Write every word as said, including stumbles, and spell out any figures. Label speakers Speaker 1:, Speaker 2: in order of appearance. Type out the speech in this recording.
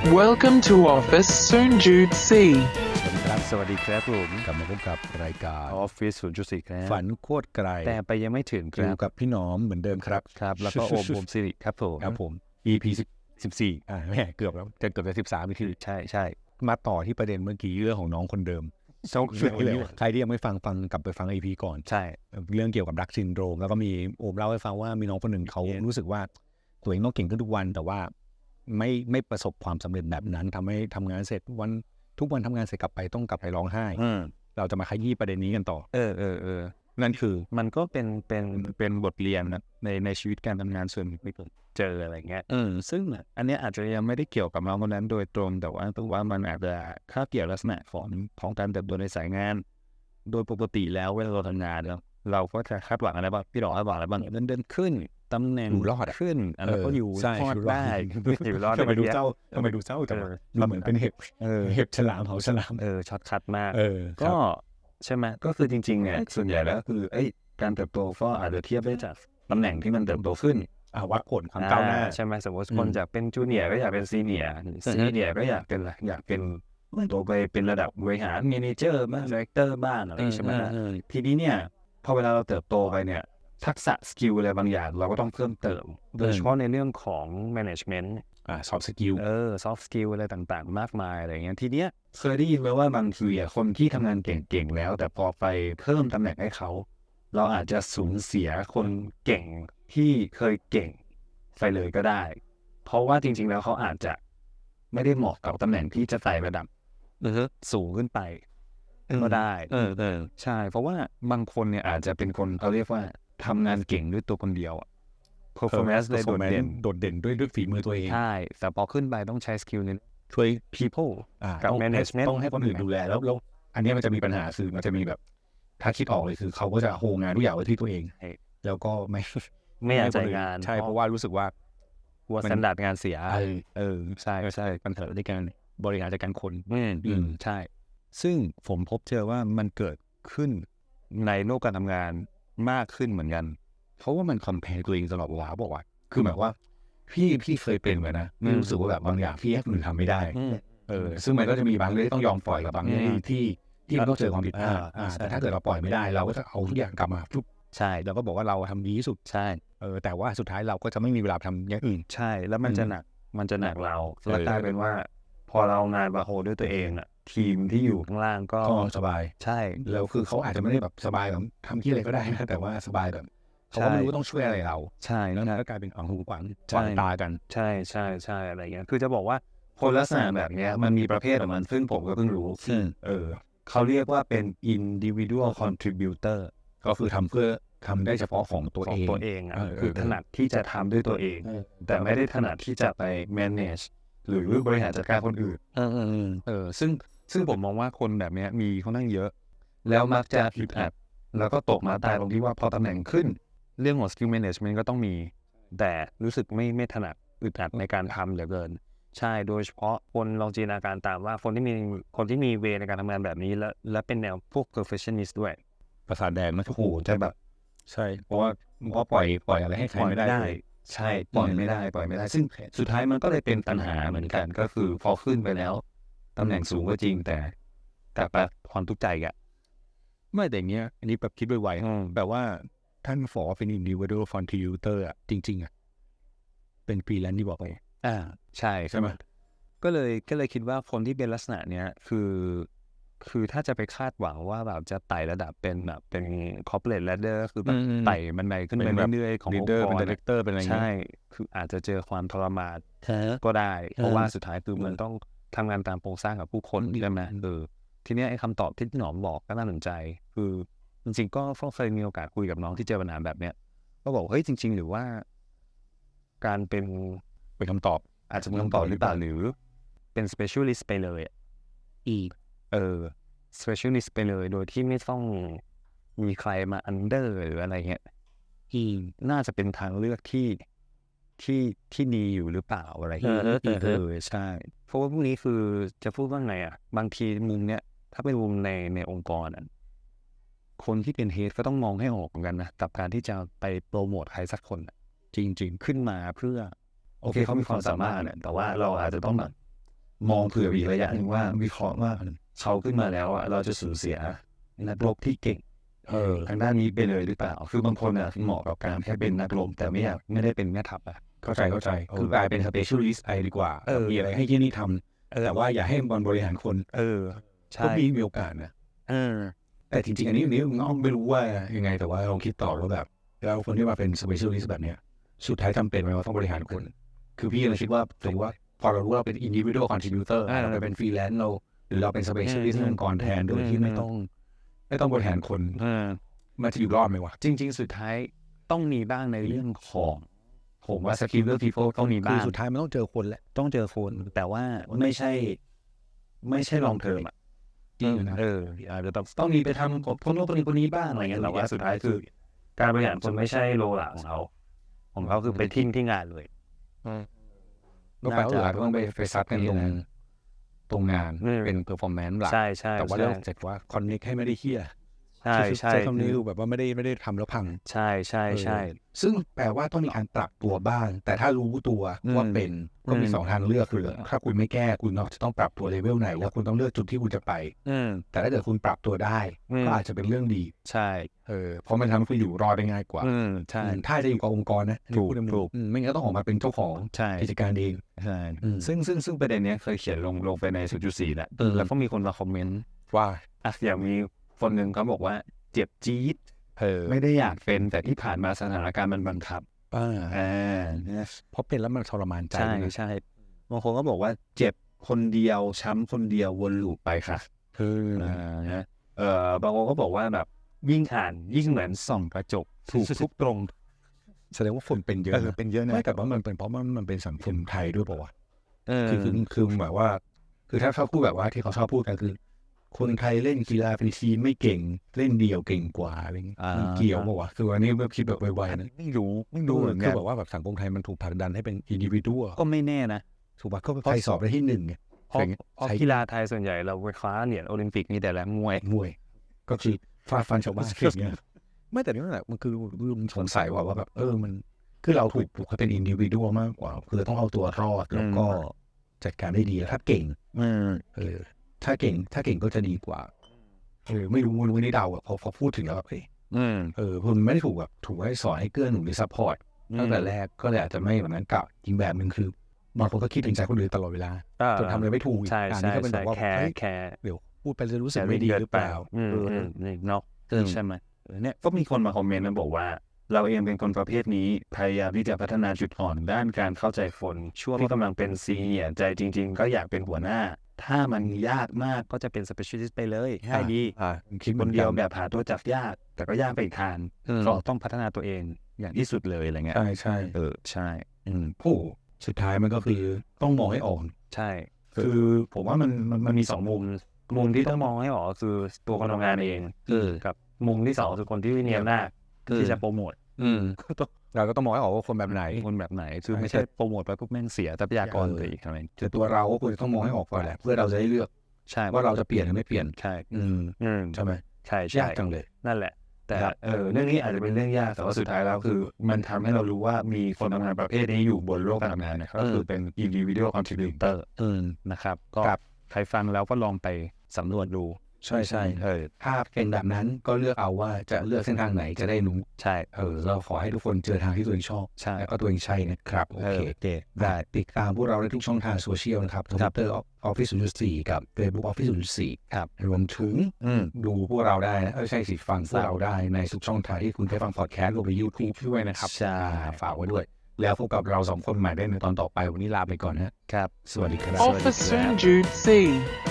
Speaker 1: Welcome to Office Soon Jude C.
Speaker 2: สวัสดีครับผม
Speaker 3: กลับมาพบกับรายการ
Speaker 2: Office ศูนย์จุดสี่ ครับ
Speaker 3: ฝันโคตรไกล
Speaker 2: แต่ไปยังไม่ถึงค
Speaker 3: อยู่
Speaker 2: รับ
Speaker 3: กับพี่หนอมเหมือนเดิมครับ
Speaker 2: ครับ แล้วก็โอมโอมสิริครับผม
Speaker 3: ครับผม อี พี สิบสี่อ่าแม่เกือบแล้วจะเกือบจะสิบสามอีพี
Speaker 2: ใช่ใช่
Speaker 3: มาต่อที่ประเด็นเมื่อกี้เรื่องของน้องคนเดิม
Speaker 2: โซ่เรื่อง
Speaker 3: ใครที่ยังไม่ฟังฟังกลับไปฟัง อี พี ก่อน
Speaker 2: ใช่
Speaker 3: เรื่องเกี่ยวกับดักซินโดรมแล้วก็มีโอมเล่าให้ฟังว่ามีน้องคนหนึ่งเขารู้สึกว่าตัวเองต้องเก่งขึ้นทุกวันแต่ว่าไม่ไม่ประสบความสำเร็จแบบนั้นทำให้ทำงานเสร็จวันทุกวันทำงานเสร็จกลับไปต้องกลับไปร้องไห้เราจะมาขยี้ประเด็นนี้กันต่อ
Speaker 2: เออเออเออ
Speaker 3: นั่นคือ
Speaker 2: มันก็เป็นเป็นเป็นบทเรียนนะในในชีวิตการทำงานส่วนไม่เจออะไรเงี้ยเออซึ่งอันนี้อาจจะยังไม่ได้เกี่ยวกับน้องคนนั้นโดยตรงแต่ว่าตัวว่ามันอาจจะค่าเกี่ยวลักษณะของของการเติบโตในสายงานโดยปกติแล้วเวลาเราทำงานเราเราก็จะคาดหวังอะไรบ้างพี่ดอกคาดหวังอะไรบ้างเดินเดินขึ้นตำแหน่ง
Speaker 3: อยู่รอด
Speaker 2: ขึ้นอันนั้นก็อยู่รอดได้อยู่รอด
Speaker 3: ทำไมดูเศร้าทำไมดูเศร้าจังเราเหมือนเป็นเห็บเห็บฉลามเขาฉลาม
Speaker 2: เออช็อตคัดมาก
Speaker 3: ก็
Speaker 2: ใช่ไหมก็คือจริงๆเนี่ยส่วนใหญ่แล้วคือไอ้การเติบโตก็อาจจะเทียบได้จากตำแหน่งที่มันเติบโตขึ้น
Speaker 3: วัดผลความก้าวหน้า
Speaker 2: ใช่ไหมสมมติคนจากเป็นจูเนียร์ก็อยากเป็นซีเนียร์ซีเนียร์ก็อยากเป็นอะไรอยากเป็นตัวไปเป็นระดับบริหารเมเนเจอร์บ้างดีเรคเตอร์บ้างอะไรใช่ไหมทีนี้เนี่ยพอเวลาเราเติบโตไปเนี่ยทักษะสกิลอะไรบางอย่างเราก็ต้องเพิ่มเติมโดยเฉพาะในเรื่องของ management
Speaker 3: อ่า soft skill
Speaker 2: เออ soft skill อะไรต่างๆมากมายอะไรเงี้ยทีเนี้ยเคยได้ยินไหมว่าบางทีอ่ะคนที่ทำงานเก่งๆแล้วแต่พอไปเพิ่มตำแหน่งให้เขาเราอาจจะสูญเสียคนเก่งที่เคยเก่งไปเลยก็ได้เพราะว่าจริงๆแล้วเขาอาจจะไม่ได้เหมาะกับตำแหน่งที่จะไต่ระดับสูงขึ้นไปก็ได้เออเออใช่เพราะว่าบางคนเนี่ยอาจจะเป็นคนเขาเรียกว่าทำงานเก่งด้วยตัวคนเดียวอ่ะ performance เลยโดดเด่น
Speaker 3: โดดเด่นด้วยด้วยฝีมือตัวเอง
Speaker 2: ใช่แต่พอขึ้นไปต้องใช้สกิลนึง
Speaker 3: ช่วย
Speaker 2: people กับ management
Speaker 3: ต้องให้คนอื่นดูแลแล้วแล้วอันนี้มันจะมีปัญหาคือมันจะมีแบบถ้าคิดออกเลยคือเขาก็จะโฮงานทุกอย่างไว้ที่ตัวเองแล้วก็ไม่
Speaker 2: ไม่อยากจ่ายงาน
Speaker 3: ใช่เพราะว่ารู้สึกว่า
Speaker 2: ว่าสแตนดาร์ดงานเสีย
Speaker 3: เออใช่ใช่ปัญหาในการบริหารจัดการคน
Speaker 2: อืมใช่ซึ่งผมพบเจอว่ามันเกิดขึ้นในโลกการทำงานมากขึ้นเหมือนกัน
Speaker 3: เพราะว่ามันคอมเพลตัวเองตลอดเวลาบอกว่าคือหมายว่าพี่พี่เคยเป็นเหมือนนะรู้สึกว่าแบบบางอย่างพี่ให้คนอื่นทำไม่ได้เออซึ่งมันก็จะมีบางเรื่องที่ต้องยอมปล่อยกับบางเรื่องที่ที่มันต้องเจอความผิดพลาดแต่ถ้าเกิดเราปล่อยไม่ได้เราก็จะเอาทุกอย่างกลับมาทุก
Speaker 2: ใช่
Speaker 3: เราก็บอกว่าเราทำดีที่สุด
Speaker 2: ใช่
Speaker 3: เออแต่ว่าสุดท้ายเราก็จะไม่มีเวลาทำอย่างอื่น
Speaker 2: ใช่แล้วมันจะหนักมันจะหนักเราแล้วกลายเป็นว่าพอเรางานมาโฮด้วยตัวเองอ่ะทีมที่อยู่ข้างล่างก็
Speaker 3: สบาย
Speaker 2: ใช่
Speaker 3: แล้วคือเขาอาจจะไม่ได้แบบสบายแบบทำที่อะไรก็ได้นะแต่ว่าสบายแบบเขาก็ไม่รู้ต้องช่วยอะไรเรา
Speaker 2: ใช่
Speaker 3: แล้วก็กลายเป็นของหูขวางขวางตากัน
Speaker 2: ใช่ใช่ใช่อะไรเงี้ยคือจะบอกว่าคนลักษณะแบบเนี้ยมันมีประเภทของมันซึ่งผมก็เพิ่งรู้เออเขาเรียกว่าเป็น individual contributor
Speaker 3: ก็คือทำเพื่อทำได้เฉพาะของตัวเอง
Speaker 2: ตัวเองอ่ะคือถนัดที่จะทำด้วยตัวเองแต่ไม่ได้ถนัดที่จะไป manage หรือบริหารจัดการคนอื่น
Speaker 3: เออเออ
Speaker 2: เออซึ่งซึ่งผมมองว่าคนแบบนี้มีค่อนข้างเยอะแล้วมักจะอึดอัดแล้วก็ตกมาตายตรงที่ว่าพอตำแหน่งขึ้นเรื่องของ skill management ก็ต้องมีแต่รู้สึกไม่ไม่ถนัดอึดอัดในการทำเหลือเกินใช่โดยเฉพาะคนลองจินตนาการตามว่าคนที่มีคนที่มีเวในการทำงานแบบนี้และและเป็นแนวพวก perfectionist ด้วย
Speaker 3: ประสาทแดงมัน
Speaker 2: โอ้โหจะแบบ
Speaker 3: ใช่เพราะว่าเพราะปล่อยปล่อยอะไรให้ใครไม่ได้
Speaker 2: ใช่ปล่อยไม่ได้ปล่อยไม่ได้ซึ่งสุดท้ายมันก็เลยเป็นปัญหาเหมือนกันก็คือพอขึ้นไปแล้วตำแหน่งสูงก็จริงแต่แต่แบบความทุกข์ใจอ่ะ
Speaker 3: ไม่แต่เงี้ยอันนี้แบบคิดไวๆแบบว่าท่านฝอเป็น individual contributor อ่ะจริงๆอ่ะเป็นฟรีแลนซ์ที่บอกไป
Speaker 2: อ่าใช่
Speaker 3: ใช่ไหม
Speaker 2: ก็เลยก็เลยคิดว่าคนที่เป็นลักษณะเนี้ยคือคือถ้าจะไปคาดหวังว่าแบบจะไต่ระดับเป็นแบบเป็น corporate ladder คือแบบไต่บันไดขึ้นไปเรื่อยๆขององค์กร
Speaker 3: เป็น director เป็นอะไร
Speaker 2: ใช่คืออาจจะเจอความทรมานก็ได้เพราะว่าสุดท้ายคือมันต้องทำงานตามโครงสร้างกับผู้คนใช่ไหมเออทีนี้ไอ้คำตอบที่หนอมบอกก็น่าสนใจคือจริงๆก็เคยมีโอกาสคุยกับน้องที่เจอปัญหาแบบเนี้ยก็บอกเฮ้ยจริงๆหรือว่าการเป็น
Speaker 3: เป็นคำตอบ
Speaker 2: อาจจะเป็นคำตอบหรือเปล่าหรือเป็น specialist ไปเลยอีกเออ specialist ไปเลยโดยที่ไม่ต้องมีใครมา under หรืออะไรเงี้ยอีน่าจะเป็นทางเลือกที่ที่ที่ดีอยู่หรือเปล่าอะไรเงี้ยเออใช่เพราะว่าพวกนี้คือจะพูดว่าไงอ่ะบางทีมุมเนี้ยถ้าเป็นมุมในในองค์กรอ่ะคนที่เป็นเฮดก็ต้องมองให้ออกเหมือนกันนะกับการที่จะไปโปรโมทใครสักคนจริงๆขึ้นมาเพื่อโอเคเขามีความสามารถเนี่ยแต่ว่าเราอาจจะต้องแบบมองเผื่ออีกระยะหนึ่งว่าวิเคราะห์ว่าเขาขึ้นมาแล้วอ่ะเราจะสูญเสียนักรบที่เก่งเออทางด้านนี้ไปเลยหรือเปล่าคือบางคนอ่ะเหมาะกับการแค่เป็นนักรบแต่ไม่อยากไม่ได้เป็นแม่ทัพอ่ะเข้าใจเข้าใจคือกลายเป็น specialist ไปดีกว่าเออมีอะไรให้ที่นี่ทำแต่ว่าอย่าให้มันบริหารคน
Speaker 3: เออใช่
Speaker 2: ก็มีมีโอกาสนะ
Speaker 3: เออ
Speaker 2: แต่จริงๆอันนี้อันนี้น้องไม่รู้ว่ายังไงแต่ว่าเราคิดต่อว่าแบบเราคนที่มาเป็น specialist แบบเนี้ยสุดท้ายจำเป็นไหมว่าต้องบริหารคน คือพี่เลยคิดว่าถือว่าพอเรารู้ว่าเราเป็น individual contributor
Speaker 3: อ่า
Speaker 2: เราเป็น freelance เราหรือเราเป็น specialist ในองค์กรแทนโดยที่ไม่ต้องไม่ต้องบริหารคน
Speaker 3: เออ
Speaker 2: มันจะอยู่รอดไหมวะ
Speaker 3: จริง ๆ สุดท้ายต้องมีบ้างในเรื่องของ
Speaker 2: ผมว่า skill people
Speaker 3: ต้องมี
Speaker 2: คื
Speaker 3: บ้า
Speaker 2: อง สุดท้ายมันต้องเจอคนแหละ
Speaker 3: ต้องเจอคนแต่ว่า
Speaker 2: ไม่ใช่ ไม่ใช่ long term อ่ะจริงนะ
Speaker 3: เอออาจจะต้อง
Speaker 2: ต้องมีไปทำกับคนโน้นคนนี้คนนี้บ้างอะไรเงี้ยแต่ว่าสุดท้ายคือการบริหารคนไม่ใช่โลหลักของเขา
Speaker 3: ของเขาคือไปทิ้งที่งานเลย
Speaker 2: ก็แปลว่าหลักก็ต้องไปไปซัดกันตรงตรงงาน
Speaker 3: อืม
Speaker 2: เป็น performance หลัก
Speaker 3: ใช่ใช่
Speaker 2: แต่ว่า
Speaker 3: ใช่
Speaker 2: เรื่องเสร็จว่า connect ให้ไม่ได้เฮี้ย
Speaker 3: ใช่ใช่
Speaker 2: ใช้คำนี้คือแบบว่าไม่ได้ไม่ได้ทำแล้วพัง
Speaker 3: ใช่ใช่ใช่
Speaker 2: เออซึ่งแปลว่าต้องมีการปรับตัวบ้าง แต่ถ้ารู้ตัว
Speaker 3: อืม
Speaker 2: ว่าเป็นก็มี
Speaker 3: อืม
Speaker 2: สองทางเลือกคือถ้าคุณไม่แก้คุณจะต้องปรับตัวเลเวลไหนแล้วคุณต้องเลือกจุดที่คุณจะไป
Speaker 3: อืม
Speaker 2: แต่ถ้าเกิดคุณปรับตัวได้
Speaker 3: อืม
Speaker 2: ก็อาจจะเป็นเรื่องดี
Speaker 3: ใช่
Speaker 2: เออเพราะมันทำให้คุณอยู่รอดได้ง่ายกว่า
Speaker 3: อืมใช่
Speaker 2: อืมถ้าจะอยู่กับองค์กรนะ
Speaker 3: ถูก
Speaker 2: พูดได้ไหม
Speaker 3: ถูก
Speaker 2: อืมไม่งั้นก็ต้องออกมาเป็นเจ้าของ
Speaker 3: ใช่
Speaker 2: กิจการเอง
Speaker 3: ใช่
Speaker 2: อืม
Speaker 3: ซึ่งซึ่งซึ่งประเด็นเนี้ยเคยเขียนลงลงไปในศูนย์จุดสี่แหละ
Speaker 2: เออ
Speaker 3: แล้วก็มีคนมาคอมเมนต์
Speaker 2: ว่า
Speaker 3: อ่ะอย่างมีคนหนึ่งเขาบอกว่าเจ็บจี๊ด
Speaker 2: เออ
Speaker 3: ไม่ได้อยากเป็นแต่ที่ผ่านมาสถานการณ์มันบังคับ
Speaker 2: อ่า
Speaker 3: อ่าเนี่ย
Speaker 2: เพราะเป็นแล้วมันทรมานใจ
Speaker 3: ใช่
Speaker 2: นะ
Speaker 3: ใช่บางคนก็บอกว่าเจ็บคนเดียวช้ำคนเดียววนลูปไปค่ะ
Speaker 2: คือ
Speaker 3: อ่านะเอ่อบางคนก็บอกว่าแบบยิ่งอ่านยิ่งเหมือนส่องกระจกถูกทุกตรง
Speaker 2: แสดงว่าคนเป็นเยอะ
Speaker 3: เออ
Speaker 2: นะ
Speaker 3: เป็นเยอะนะ
Speaker 2: ไม่แต่ว่ามันเป็นเพราะมันมันเป็นสังคมไทยด้วยเปล่าวะ
Speaker 3: เออ
Speaker 2: คือคือคือแบบว่า คือถ้าเขาพูดแบบว่าที่เขาชอบพูดกันคือ คนไทยเล่นกีฬาเป็นทีมไม่เก่งเล่นเดี่ยวเก่งกว่าอะไรเงี้ย
Speaker 3: อ่ามั
Speaker 2: มันเกี่ยวเปล่าวะคือวันนี้แบบคิดแบบไวๆนะ
Speaker 3: ไม่รู้ไม่
Speaker 2: ดู
Speaker 3: รู้เหมือน
Speaker 2: คื
Speaker 3: กั
Speaker 2: อน แบบว่าแบบสังคมไทยมันถูกผลักดันให้เป็นอินดิวิว
Speaker 3: ก็ไม่แน่นะ
Speaker 2: ถูกป่ะก็ใครสอบได้ที่หนึ่งเนี่ย
Speaker 3: เพราะ
Speaker 2: อะไรเงี้ย
Speaker 3: เพราะ
Speaker 2: ใช้
Speaker 3: กีฬาไทยส่วนใหญ่เราไปคว้าเหรียญโอลิมปิกมีแต่ละมวย
Speaker 2: มวย ก็คือฟาดฟันชาวบ้านอย่างเงี้ยไม่แต่นี่นั่นแหละมันคือลุงสงสัยว่าว่าแบบเออมันคือเราถูกปลูกให้เป็นอินดิวิวมากกว่าคือต้องเอาตัวรอดแล้วก็จัดการได้ดีถ้าเก่ง
Speaker 3: อืม
Speaker 2: เออถ้าเก่งถ้าเก่งก็จะดีกว่าเออไม่รู้ไม่รู้ไม่ได้เดาอะพอพอพูดถึงแล้วแบบเฮ้ย
Speaker 3: อืม
Speaker 2: เออคุณไม่ได้ถูกแบบถูกให้สอนให้เกื้อหนุนหรือซัพพอร์ตตั้งแต่แรกก็เลยอาจจะไม่แบบนั้นกับอีกแบบหนึ่งคือบางคนก็คิดถึงใจคนอื่นตลอดเวลาจนทำอะไรไม่ถูกอีก
Speaker 3: ใช่
Speaker 2: อัน
Speaker 3: ใช่
Speaker 2: นี้ก็เป็นแบ
Speaker 3: ใช่
Speaker 2: บว่า
Speaker 3: แคร์
Speaker 2: เฮ้ย
Speaker 3: แคร์
Speaker 2: เดี๋ยวพูดไปจะรู้สึกไม่ดีหรือเปล่า
Speaker 3: อืม
Speaker 2: เออ
Speaker 3: อืมนี่เนาะ
Speaker 2: เออ
Speaker 3: ใช่ไหมเออเนี่ยก็มีคนมาคอมเมนต์มาบอกว่า เราเองเป็นคนประเภทนี้พยายามที่จะพัฒนาจุดอ่อนด้านการเข้าใจคนช่วงที่กำลังเป็นซีเนียร์ใจจริง ๆ ก็อยากเป็นหัวหน้า ถ้ามันยากมากก็จะเป็น specialist ไปเลยใช่ดี
Speaker 2: อ่าคิดเห
Speaker 3: ค
Speaker 2: มือน น
Speaker 3: เดียว
Speaker 2: กัน
Speaker 3: แบบหาตัวจับยาก แต่ก็ยากไปอีกทาง
Speaker 2: อืม
Speaker 3: ก็ต้องพัฒนาตัวเองอย่างที่สุดเลยอะไรเงี้ย
Speaker 2: ใช่ใช่
Speaker 3: เออใช่
Speaker 2: อืมโอ้สุดท้ายมันก็คือต้องมองให้ออก
Speaker 3: ใช่
Speaker 2: คือผมว่ามันมันมันมีสองมุม
Speaker 3: มุมที่ต้องมองให้ออกก็คือตัวคนทำงานเอง
Speaker 2: เออ
Speaker 3: กับมุมที่สองคือคนที่มีอำนาจ
Speaker 2: เออ
Speaker 3: ที่จะโปรโมท
Speaker 2: อืมเราก็ต้องมองให้ออกว่าคนแบบไหน
Speaker 3: คนแบบไหนคือ
Speaker 2: ใช่
Speaker 3: ไม่ใช่โปรโมทไปปุ๊บแม่งเสียทรัพยากร
Speaker 2: เออ
Speaker 3: ไปอีกอะไร
Speaker 2: แต่ตัวเราก็ควรจะต้องมองให้ออกก่อนแหละเพื่อเราจะได้เลือก
Speaker 3: ใช่
Speaker 2: ว่าเราจะเปลี่ยนหรือไม่เปลี่ยน
Speaker 3: ใช่
Speaker 2: อืม
Speaker 3: อืม
Speaker 2: ใช่ไหม
Speaker 3: ใช่ใช่
Speaker 2: ยากจังเลย
Speaker 3: นั่นแหละ แต่
Speaker 2: ครับ
Speaker 3: เออเรื่องนี้อาจจะเป็นเรื่องยากแต่ว่าสุดท้ายแล้วคือ มันทำให้เรารู้ว่ามีคนทำงานประเภทนี้อยู่บนโลกการทำงานนะก็คือเป็น individual contributor
Speaker 2: อืม
Speaker 3: นะครับก็
Speaker 2: ครับ
Speaker 3: ใครฟังแล้วก็ลองไปสำรวจดู
Speaker 2: ใช่ใช่
Speaker 3: เออ
Speaker 2: ถ้าเป็นแบบนั้นก็เลือกเอาว่าจะเลือกเส้นทางไหนจะได้รู้
Speaker 3: ใช่
Speaker 2: เออเราขอให้ทุกคนเจอทางที่ตัวเองชอบ
Speaker 3: ใช่
Speaker 2: แล้วก็ตัวเองใช่นะครับโอ
Speaker 3: เอ
Speaker 2: เค
Speaker 3: อโอเค
Speaker 2: ได้ติดตามพวกเราได้ทุกช่องทางโซเชียลนะครับ Twitter Office ศูนย์จุดสี่กับ Facebook Office ศูนย์จุดสี่
Speaker 3: ครับ
Speaker 2: รวมถึง
Speaker 3: อืม
Speaker 2: ดูพวกเราได้นะเออใช่สิฟังพวกเราได้ในทุกช่องทางที่คุณได้ฟังพอดแคสต์รวมไป YouTube ด้วยนะครับ
Speaker 3: ใช่
Speaker 2: ฝากไว้ด้วย แล้วพบกับเราสองคนใหม่ได้ในตอนต่อไปวันนี้ลาไปก่อนนะครับ สวัสดีครับ
Speaker 1: Office Soon Jude C.